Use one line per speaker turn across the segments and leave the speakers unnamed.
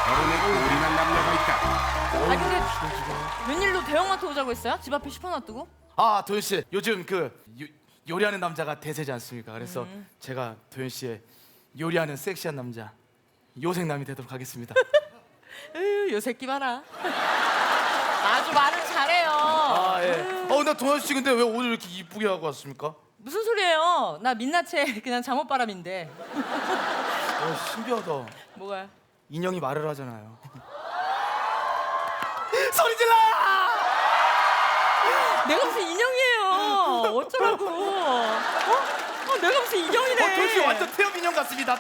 결혼에 올인한 남녀가 있다.
아 근데 웬일로 대형마트 오자고 했어요? 집 앞에 슈퍼 놔두고?
아 도현 씨 요즘 요리하는 남자가 대세지 않습니까? 그래서 제가 도현 씨의 요리하는 섹시한 남자 요생남이 되도록 하겠습니다.
에휴 요 새끼 봐라. 아주 말을 잘해요.
아 예. 근데 도현 씨 근데 왜 오늘 이렇게 이쁘게 하고 왔습니까?
무슨 소리예요? 나 민낯에 그냥 잠옷바람인데.
신기하다.
뭐가요?
인형이 말을 하잖아요. 소리 질러!
내가 무슨 인형이에요. 어쩌라고. 내가 무슨 인형이래.
도현 씨 완전 태엽 인형 같습니다.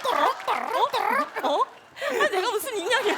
내가 무슨 인형이야.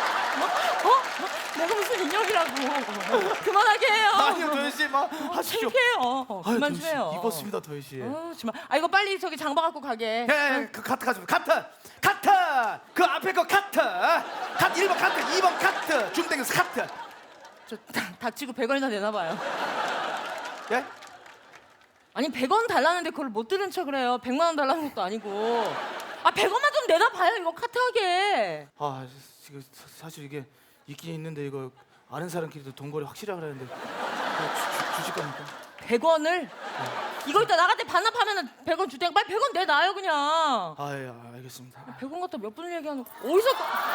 내가 무슨 인형이라고. 그만하게 해요.
아니요 도현 씨 막 하십시오.
창피해요. 그만
도현
좀
씨,
해요.
입었습니다 도현 씨.
정말. 이거 빨리 저기 장바 갖고 가게.
예, 그 카트 가져가. 카트. 그 앞에 거 카트. 카트 1번 카트, 2번 카트. 중땡에서 카트.
저 닥치고 100원이나 내나 봐요.
예?
아니 100원 달라는데 그걸 못 들은 척을 해요. 100만 원 달라는 것도 아니고. 100원만 좀 내나 봐요. 이거 카트하게.
지금 사실 이게 있긴 있는데 이거 아는 사람끼리도 돈거래 확실하게 하는데 주실 겁니까?
100원을? 이거 이따 나갈 때 반납하면은 100원 줄 테니까 빨리 100원 내놔요 그냥.
예, 알겠습니다.
100원 갖다 몇 분을 얘기하는 거. 어디서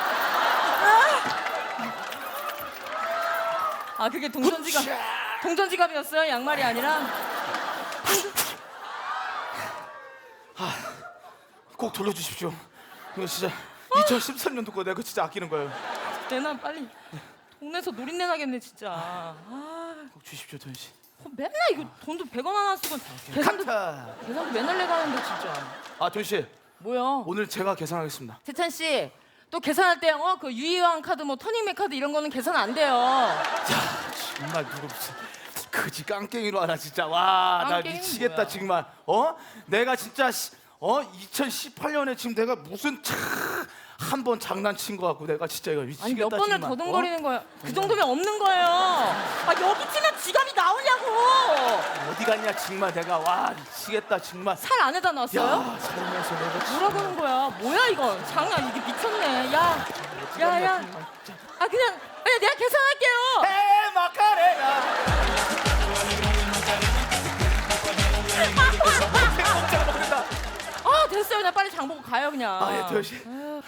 그게 동전지갑이었어요? 양말이 아니라?
꼭 돌려주십시오. 이거 진짜 2013년도 거 내가 진짜 아끼는 거예요.
내놔 빨리. 동네에서 노린내 나겠네 진짜.
꼭 주십시오, 도현 씨.
맨날 이거 돈도 100원 하나 쓰고 계산도 맨날 내가 하는데 진짜.
도현 씨.
뭐야?
오늘 제가 계산하겠습니다.
세찬 씨, 또 계산할 때 그 유희왕 카드, 뭐 터닝맥 카드 이런 거는 계산 안 돼요.
정말 누구 무슨 그지 깡깽이로 하나 진짜. 와, 나
깡깽이는
미치겠다
뭐야?
정말. 내가 진짜 2018년에 지금 내가 무슨 한 번 장난친 거 같고 내가 진짜 이거 미치겠다.
아니 몇 번을
정말.
더듬거리는 거야. 그 정도면 없는 거예요. 여기 치면 지갑이 나오냐고.
어디 갔냐 정말 내가. 와, 미치겠다 정말.
살 안에다 놨어요?
야, 살면서 내가 진짜.
뭐라고 하는 거야? 뭐야 이거? 장난 이게 미쳤네. 야. 그냥 내가 계산할게요.
에 마카레나.
됐어요. 그냥 빨리 장 보고 가요 그냥.
예, 도현 씨.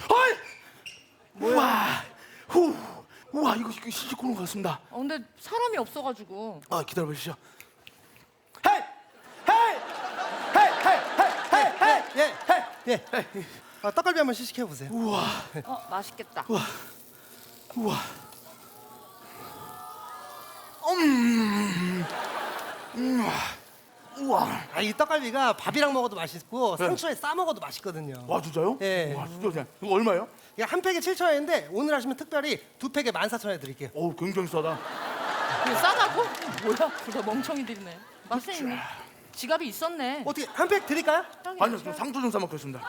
뭐야? 우와, 이거 시식코너 같습니다.
근데 사람이 없어가지고.
기다려 보시죠.
예. 떡갈비 한번 시식해 보세요.
우와.
맛있겠다.
우와. 우와.
이 떡갈비가 밥이랑 먹어도 맛있고 상추에 싸 먹어도 맛있거든요.
와, 진짜요?
예.
와, 진짜. 이거 얼마예요?
이게 한 팩에 7,000원인데 오늘 하시면 특별히 두 팩에 14,000원에 드릴게요.
굉장히 싸다.
이거 싸다고? 뭐야? 그거 멍청이들이네. 맛은 있네. 지갑이 있었네.
어떻게 한 팩 드릴까요?
아니요, 좀 상주 좀 싸먹겠습니다.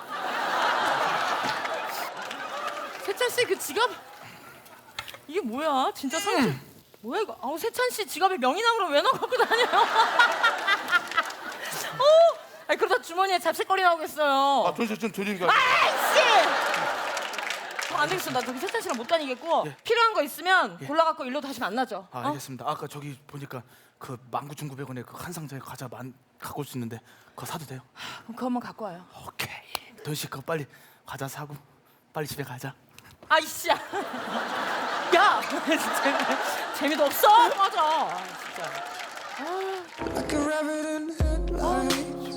세찬 씨 그 지갑 이게 뭐야? 진짜 상주 뭐야 이거? 세찬 씨 지갑에 명이나무로 왜 넣어 갖고 다녀요? 그러다 주머니에 잡채거리 나오겠어요.
도현 씨 좀 드리니까.
아이씨! 안 되겠어. 나 저기 세찬 씨랑 못 다니겠고 필요한 거 있으면 골라 갖고 일로 다시 만나죠.
알겠습니다. 아까 저기 보니까 그 19,900원에 그 한 상자에 과자 갖고 올 수 있는데 그거 사도 돼요?
그럼 그것만 갖고 와요.
오케이. 도현 씨 그거 빨리 과자 사고 빨리 집에 가자.
아이씨야. 야, 진짜 재미도 없어. 맞아. 진짜.
Like a rabbit in headlights.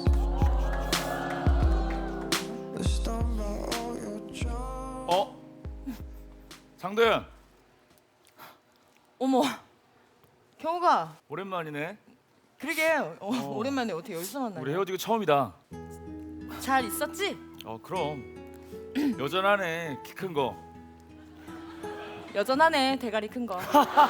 The storm by all your charms.
장도연
어머, 경우가
오랜만이네.
그러게 오랜만에 어떻게 여기서 만나요?
우리 헤어지고 처음이다.
잘 있었지?
그럼 여전하네. 키 큰 거.
여전하네 대가리 큰 거.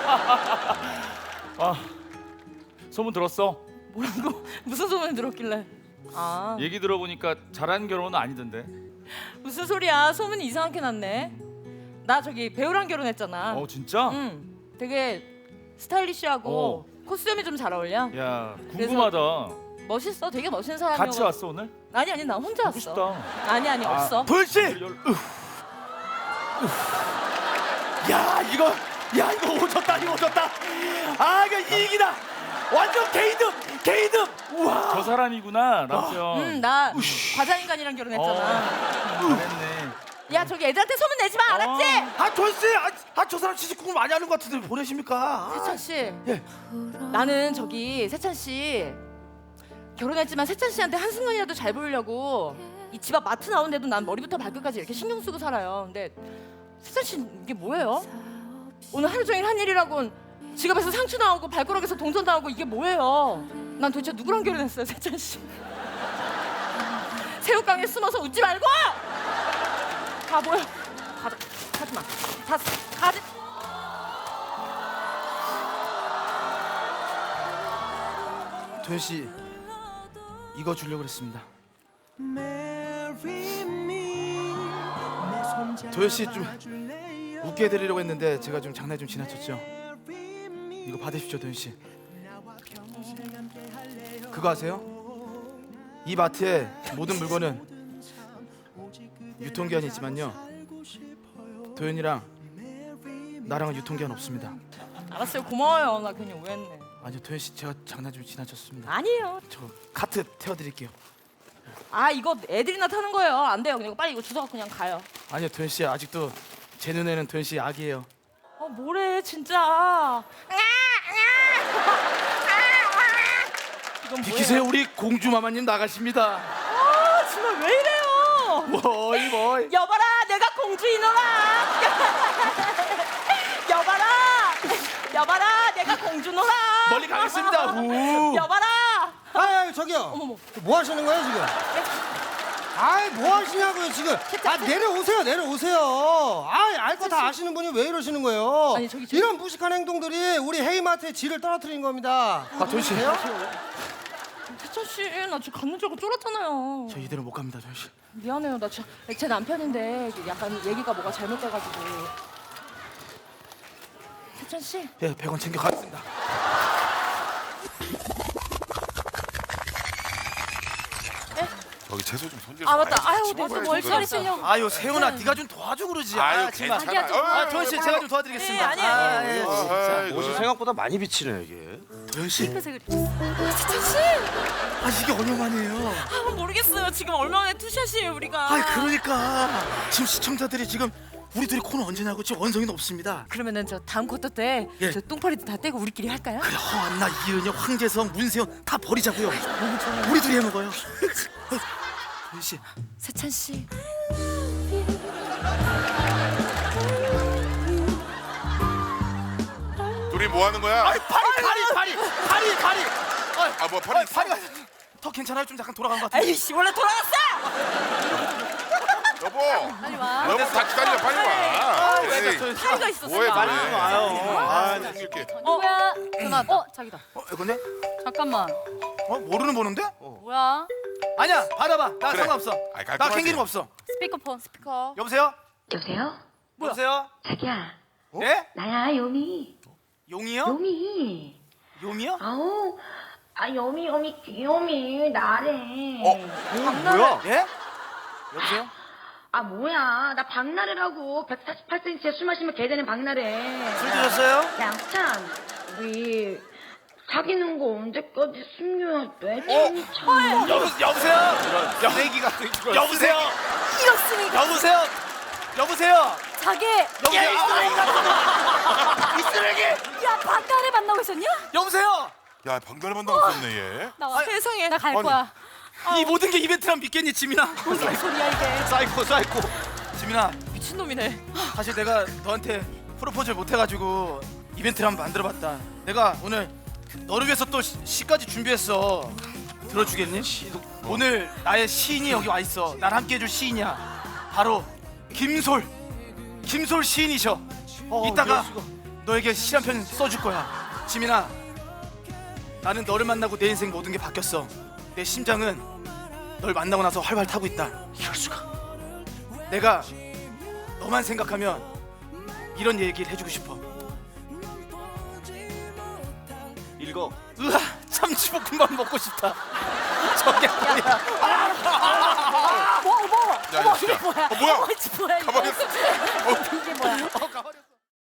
소문 들었어?
뭐라고? 무슨 소문을 들었길래?
얘기 들어보니까 잘한 결혼은 아니던데.
무슨 소리야? 소문이 이상하게 났네. 나 저기 배우랑 결혼했잖아.
진짜?
응. 되게 스타일리시하고 코스튬이 좀 잘 어울려.
야, 궁금하다.
멋있어. 되게 멋있는 사람이야.
같이 왔어 오늘?
아니 나 혼자
보고
왔어.
싶다.
아니 없어.
도현 씨. 야 이거 오졌다 이거 오졌다. 아 이거 이익이다. 완전 개이득. 우와.
저 사람이구나 남편.
나 과자인간이랑 결혼했잖아.
잘했네.
야 저기 애들한테 소문 내지 마, 알았지?
아 도현씨, 저 사람 취직국을 많이 하는 것 같은데 보내십니까?
세찬 씨.
예.
나는 저기 세찬 씨 결혼했지만 세찬 씨한테 한 순간이라도 잘 보이려고 이 집 앞 마트 나오는데도 난 머리부터 발끝까지 이렇게 신경 쓰고 살아요. 근데 세찬 씨 이게 뭐예요? 오늘 하루 종일 한 일이라곤 지갑에서 상추 나오고 발가락에서 동전 나오고 이게 뭐예요? 난 도대체 누구랑 결혼했어요, 세찬 씨? 새우깡에 숨어서 웃지 말고! 바보야. 가지 마. 가지.
도현씨 이거 주려고 그랬습니다. 도현씨 좀 웃게 해드리려고 했는데 제가 좀 장난이 좀 지나쳤죠. 이거 받으십시오 도현씨. 그거 아세요? 이 마트의 모든 물건은 유통기한이 있지만요 도현이랑 나랑은 유통기한 없습니다.
알았어요. 고마워요. 나 괜히 오해했네.
아니요 도현씨 제가 장난 좀 지나쳤습니다.
아니에요.
저 카트 태워드릴게요.
아 이거 애들이나 타는 거예요. 안 돼요. 그냥 빨리 이거 주워갖고 그냥 가요.
아니요 도현씨 아직도 제 눈에는 도현씨 아기예요.
뭐래 진짜. 이건
비키세요. 우리 공주마마님 나가십니다.
정말 왜 이래요?
뭐이
여봐라 내가 공주이노라. 여봐라 내가 공주노라.
멀리 가겠습니다. 우.
여봐라.
아 저기요.
어머머.
뭐 하시는 거예요 지금? 아이 뭐 하시냐고요 지금? 아 내려오세요. 알 거 다 아시는 분이 왜 이러시는 거예요?
아니, 저기
이런 무식한 행동들이 우리 헤이마트의 질을 떨어뜨린 겁니다.
아 도현씨
세찬 씨, 나 지금 갖는 줄 알고 쫄았잖아요.
저 이대로 못 갑니다 도현씨.
미안해요. 나 진짜 제 남편인데 약간 얘기가 뭐가 잘못돼가지고. 세찬 씨.
예 100원 챙겨 가겠습니다.
저기 채소 좀 손질.
아 맞다. 아유 내가 뭘 차리시려고.
아유 세훈아 네가 좀 도와주고 그러지.
아유
정말.
괜찮아.
자기야,
도현씨 제가 좀 도와드리겠습니다.
네, 아니에요.
예.
옷이 생각보다 많이 비치네 이게.
도현씨
세찬 씨.
아 이게 얼마만이에요?
아 모르겠어요. 지금 얼마 만에 투샷이에요 우리가.
아 그러니까 지금 시청자들이 지금 우리 둘이 코너 언제 나고 지금 원성이는 없습니다.
그러면은 저 다음 쿼터 때
예.
저 똥파리도 다 떼고 우리끼리 할까요?
그래 허안나 이은혁 황재성 문세영 다 버리자고요.
너무 좋아요.
우리 둘이 해먹어요. 도현씨
세찬 씨.
둘이 뭐 하는 거야?
파리.
아 뭐 파리 있어?
파리가 더 괜찮아요? 좀 약간 돌아간 것 같은데.
에이씨 원래 돌아갔어.
여보.
빨리 와.
여보 다 기다려 빨리 와. 에이,
파리가 있었어.
뭐해
나.
뭐해.
와요.
아 챙길게.
누구야? 전화 왔다. 자기다.
이건데?
잠깐만.
모르는 번호인데?
뭐야?
아니야 받아봐. 나
그래.
상관없어.
아이,
나
깔끔하지.
캥기는 거 없어.
스피커폰. 스피커.
여보세요?
여보세요?
여보세요?
자기야,
예?
나야 요미.
용이요?
요미.
용이요?
아우, 요미 귀요미 나래.
뭐야? 예? 여보세요?
아 뭐야, 나 박나래라고. 148cm에 술 마시면 개 되는 박나래.
술 드셨어요?
양찬, 우리 사귀는 거 언제까지 숨겨야 돼?
여보세요?
쓰레기 같은 거.
여보세요?
이렇습니까?
여보세요?
자기.
여보세요? 이 쓰레기!
야 박가래 만나고 있었냐?
여보세요?
야 방달에 만나고 있었네 얘.
나 세상에. 나 갈
아니.
거야.
이 모든 게 이벤트란 믿겠니 지민아?
무슨 소리야 이게?
사이코 지민아
미친놈이네.
사실 내가 너한테 프로포즈를 못해가지고 이벤트를 한번 만들어봤다. 내가 오늘 너를 위해서 또 시까지 준비했어. 들어주겠니? 오늘 나의 시인이 여기 와 있어. 날 함께 해줄 시인이야. 바로 김솔 시인이셔. 이따가 너에게 시 한 편 써줄 거야. 지민아, 나는 너를 만나고 내 인생 모든 게 바뀌었어. 내 심장은 널 만나고 나서 활활 타고 있다. 이럴 수가. 내가 너만 생각하면 이런 얘기를 해주고 싶어.
읽어.
으아, 참치볶음밥 먹고 싶다. 저게 뭐야?
뭐?
야, 야, 진짜.
뭐야?
뭐야?
뭐야 이거?
가만히 있어.